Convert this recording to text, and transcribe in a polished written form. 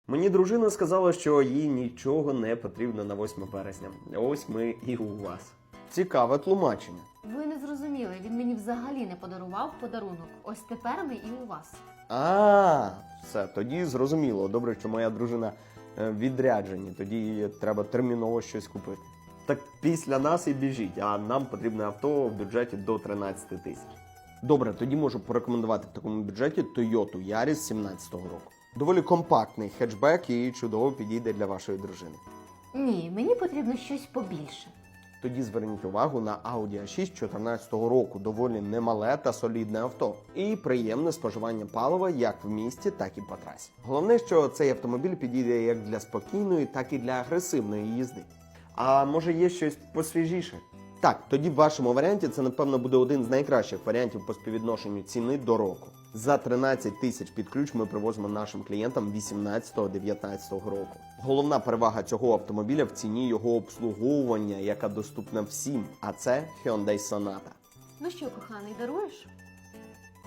Мені дружина сказала, що їй нічого не потрібно на 8 березня. Ось ми і у вас. Цікаве тлумачення. Ви не зрозуміли, він мені взагалі не подарував подарунок. Ось тепер ми і у вас. Все, тоді зрозуміло. Добре, що моя дружина відряджені, тоді їй треба терміново щось купити. Так після нас і біжіть, а нам потрібне авто в бюджеті до 13 тисяч. Добре, тоді можу порекомендувати в такому бюджеті Toyota Yaris 17-го року. Доволі компактний хетчбек і чудово підійде для вашої дружини. Ні, мені потрібно щось побільше. Тоді зверніть увагу на Audi A6 14-го року. Доволі немале та солідне авто. І приємне споживання палива як в місті, так і по трасі. Головне, що цей автомобіль підійде як для спокійної, так і для агресивної їзди. А може є щось посвіжіше? Так, тоді в вашому варіанті це, напевно, буде один з найкращих варіантів по співвідношенню ціни до року. За 13 тисяч під ключ ми привозимо нашим клієнтам 18-19 року. Головна перевага цього автомобіля в ціні його обслуговування, яка доступна всім, а це Hyundai Sonata. Ну що, коханий, даруєш?